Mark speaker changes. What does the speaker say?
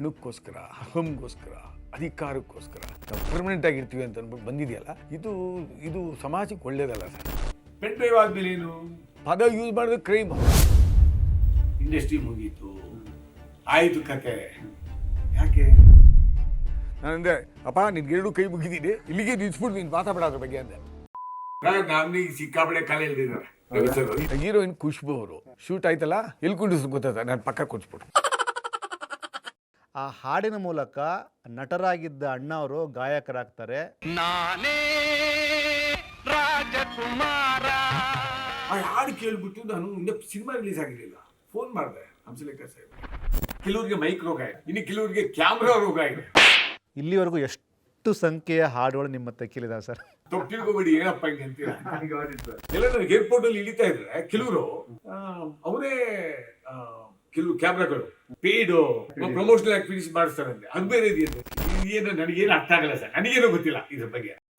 Speaker 1: ಹಣಕ್ಕೋಸ್ಕರ, ಅಹಂಗೋಸ್ಕರ, ಅಧಿಕಾರಕ್ಕೋಸ್ಕರ ನಾವು ಪರ್ಮನೆಂಟ್ ಆಗಿರ್ತೀವಿ ಅಂತ ಅಂದ್ಬಿಟ್ಟು ಬಂದಿದೆಯಲ್ಲ, ಇದು ಸಮಾಜಕ್ಕೆ ಒಳ್ಳೇದಲ್ಲ ಸರ್.
Speaker 2: ಪೆನ್ ಡ್ರೈವ್ ಆದ್ಮೇಲೆ ಏನು
Speaker 1: ಪದ ಯೂಸ್ ಮಾಡಿದ್ರೆ ಕ್ರೈಮ್.
Speaker 2: ಇಂಡಸ್ಟ್ರಿ ಮುಗೀತು, ಆಯ್ತು ಕತೆ. ಯಾಕೆ
Speaker 1: ನಾನಂದೆ, ಅಪ್ಪ ನಿನ್ಗೆರಡು ಕೈ ಮುಗಿದೀನಿ, ಇಲ್ಲಿಗೆ ನಿಲ್ಸ್ಬಿಟ್ಟು ನೀನು ಮಾತಾಡ ಅದ್ರ ಬಗ್ಗೆ ಅಂದೆ.
Speaker 2: ನಮ್ಗೆ ಸಿಕ್ಕಾಪಡೆ ಕಾಲ ಎಳ್ದಿದ್ದಾರೆ.
Speaker 1: ಹೀರೋಯಿನ್ ಖುಷ್ಬು ಅವರು ಶೂಟ್ ಆಯ್ತಲ್ಲ, ಎಲ್ಲಿ ಕುಂಡಿಸ್ ಗೊತ್ತಾಯ್ತ, ನಾನು ಪಕ್ಕ ಕುಂಚ್ಬಿಟ್ಟು.
Speaker 3: ಆ ಹಾಡಿನ ಮೂಲಕ ನಟರಾಗಿದ್ದ ಅಣ್ಣ ಅವರು ಗಾಯಕರಾಗ್ತಾರೆ.
Speaker 4: ನಾನೇ ರಾಜಕುಮಾರ.
Speaker 2: ಆ ಹಾಡು ಕೇಳ್ಬಿಟ್ಟು ನಾನು ಇನ್ನೂ ಸಿನಿಮಾ ರಿಲೀಸ್ ಆಗಿರಲಿಲ್ಲ, ಫೋನ್ ಮಾಡಿದೆ ಹಂಸಲೇಖ ಸಾಹೇಬ್. ಕೆಲವ್ರಿಗೆ ಮೈಕ್ ರೋಗ ಇದೆ, ಇನ್ನು ಕೆಲವ್ರಿಗೆ ಕ್ಯಾಮ್ರಾ ರೋಗ ಇದೆ.
Speaker 3: ಇಲ್ಲಿವರೆಗೂ ಎಷ್ಟು ಸಂಖ್ಯೆಯ ಹಾಡುಗಳು ನಿಮ್ಮ ತೆಕ್ಕಿಲಿದಾವೆ ಸರ್?
Speaker 2: ತಪ್ಪು ತಿಳ್ಕೊಬೇಡಿ, ಏನಪ್ಪ ಹಿಂಗೆ ಅಂತೀರಾ. ಎಲ್ಲ ನನಗೆ ಏರ್ಪೋರ್ಟ್ ಅಲ್ಲಿ ಇಳಿತಾ ಇದ್ರೆ ಕೆಲವರು ಅವರೇ ಕೆಲವು ಕ್ಯಾಮ್ರಾಗಳು ಪೇಯ್ಡು ಪ್ರಮೋಷನಲ್ ಆಕ್ಟಿವಿಟೀಸ್ ಮಾಡಿಸ್ತಾರಂತೆ. ಅದು ಬೇರೆ ಇದೆಯಂತೆ. ಏನು ನನಗೇನು ಅರ್ಥ ಆಗಲ್ಲ ಸರ್, ನನಗೇನೋ ಗೊತ್ತಿಲ್ಲ ಇದ್ರ ಬಗ್ಗೆ.